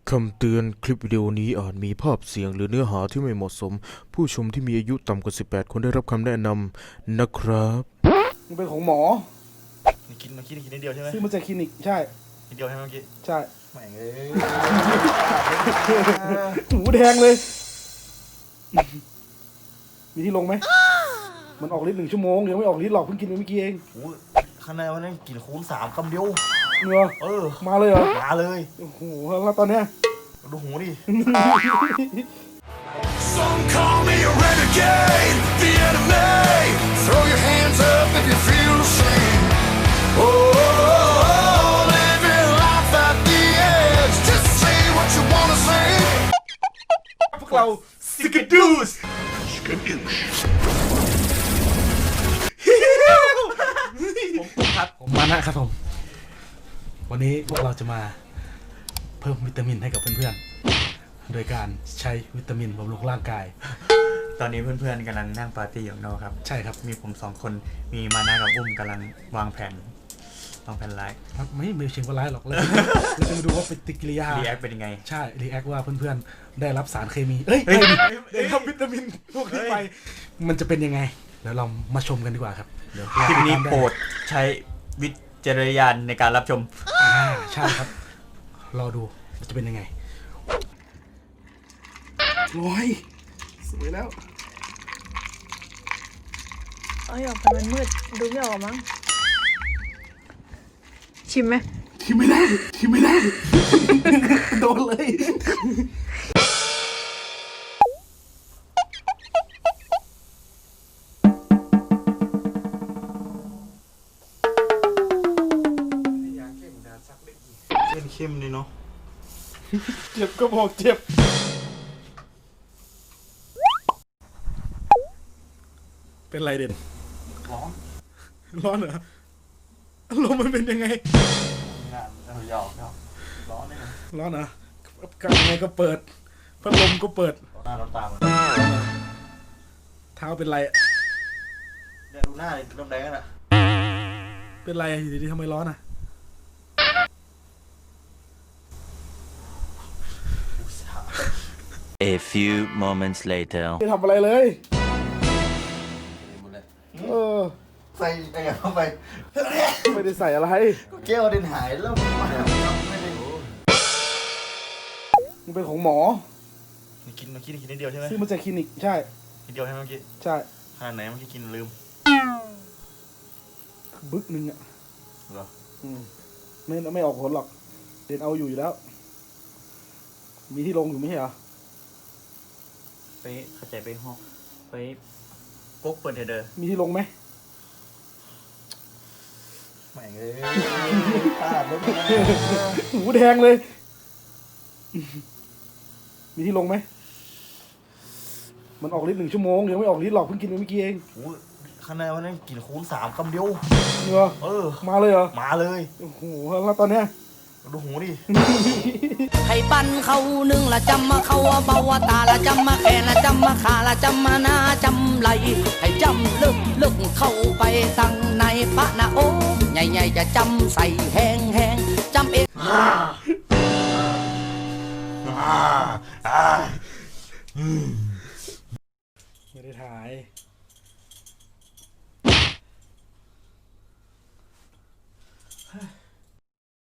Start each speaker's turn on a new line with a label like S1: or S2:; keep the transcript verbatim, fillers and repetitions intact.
S1: คำเตือนคลิปวิดีโอนี้อาจมีภาพเสียงหรือเนื้อหาที่ไม่เหมาะสมผู้ชมที่มีอายุต่ำกว่าสิบแปดควรได้รับคำแนะนำนะครับ
S2: มันเป็นของหมอ
S3: นี่กินมันกินกินนิดเดียวใช่ไหม
S2: ซื้อมาจากคลินิกใช่
S3: นิดเดียวใช่ไหมเมื่อกี้
S2: ใช่
S3: แม่งเอ้ย
S2: หูแดงเลย มีที่ลงไหม มันออกฤทธิ์หนึ่งชั่วโมงยังไม่ออกฤทธิ์หรอกเพิ่งกินไปเมื่อกี้เอง
S3: โอ้ข้างในวันนั้นกินคูณสามคำเดียว
S2: เนื้อ
S3: เออ
S2: มาเลยเหรอ
S3: มาเลย
S2: โอ้โหแล้วตอนเนี้ย
S3: ดูหูดิ
S4: Some call me a renegade, the enemy. Throw your hands up if you feel the same. Oh, living life at the edge. Just say what you wanna say.
S2: พวกเราสกิดดูสผมครับผมมานะครับผมวันนี้พวกเราจะมาเพิ่มวิตามินให้กับเพื่อนๆโดยการใช้วิตามินบำรุงร่างกาย
S3: ตอนนี้เพื่อนๆกำลังนั่งปาร์ตี้อยู่นอกครับ
S2: ใช่ครับ
S3: มีผมสองคนมีมานะกับอุ้มกำลังวางแผนวางแผนไลฟ์
S2: ครับไม่ไม่เชิงว่าไลฟ์หรอกเราเราจะมาดูว่าปฏิกิริยา
S3: รีแอคเป็นยังไง
S2: ใช่รีแอคว่าเพื่อนๆได้รับสารเคมีเอ้ยได้ทำวิตามินพวกนี้ไปมันจะเป็นยังไงเดี๋ยวเรามาชมกันดีกว่าครับเดี๋ยว
S3: คลิปนี้โปรดใช้วิจารณญาณในการรับชม
S2: อ่าใช่ครับรอดูจะเป็นยังไงร้อยสวยแล้ว
S5: เอ้ยออกไปมันมืดดูไม่ออกมั้งชิมไหม
S2: ชิมไม่ได้ชิมไม่ได้โดนเลย
S3: เข้มๆเลยเนาะ
S2: เจ็บก็บอกเจ็บเป็นไรเด่น
S3: ร้อน
S2: ร้อนเหรอลมมันเป็นยังไง
S3: งานเออหยอกหยอกร้อนเลยนะ
S2: ร้อนเหรอกันยังไงก็เปิดพัดลมก็เปิด
S3: หน้าร้อนตา
S2: เท้าเป็นไร
S3: เนี่ยดูหน้าเลยดำแดงอ่ะ
S2: เป็นไรอยู่ดีๆทำไมร้อนอ่ะ
S6: A few moments later
S2: ไม่ทำอะไรเลยเออ
S3: ใส่อะไรเข้าไป
S2: ไม่ได้ใส่อะไร
S3: ก็แก้วเดินหายแล้วไม่ได้
S2: มันเป็นของหมอ
S3: นี่กินเมื่อกี้กินนิดเดียวใช่ไหม
S2: ซื้อมาจากคลินิกใช่
S3: นิดเดียวใช่ไหมเมื่อกี้
S2: ใช่
S3: ขนาดไหนเมื่อกี้กินลืม
S2: บึกนึงอ่ะ
S3: เหรอ
S2: อืมไม่ไม่ออกผลหรอกเดินเอาอยู่อยู่แล้วมีที่ลงอยู่ไม่ใช่เหรอ
S3: ไปเข้าใจไปห้องไปกุ๊กเปิดเถอะ
S2: มีที่ลงไหม
S3: แม่งเอ้ยตาดรถ
S2: หูแดงเลยมีที่ลงไหมมันออกฤทธิ์หนึ่งชั่วโมงยังไม่ออกฤทธิ์หรอกเพิ่งกินไปเมื่อกี้เอง
S3: โอ้ข้างในวันนั้นกินคูณสามคำเดียว
S2: เนื้อ
S3: เออ
S2: มาเลยเหรอ
S3: มาเลย
S2: โอ้โหแล้วตอนเนี้ย
S3: ดูหูดิ
S7: ให้ปั้นเขาหนึ่งละจำมาเขาเบาตาละจำมาแค่ละจำมาขาละจำมาหน้าจำไหลให้จำลึกลึกเข้าไปตั้งในพระนะโอ้ใหญ่ๆจะจำใส่แห้งแห้งจำเอง
S2: ไม่ได้ถ่าย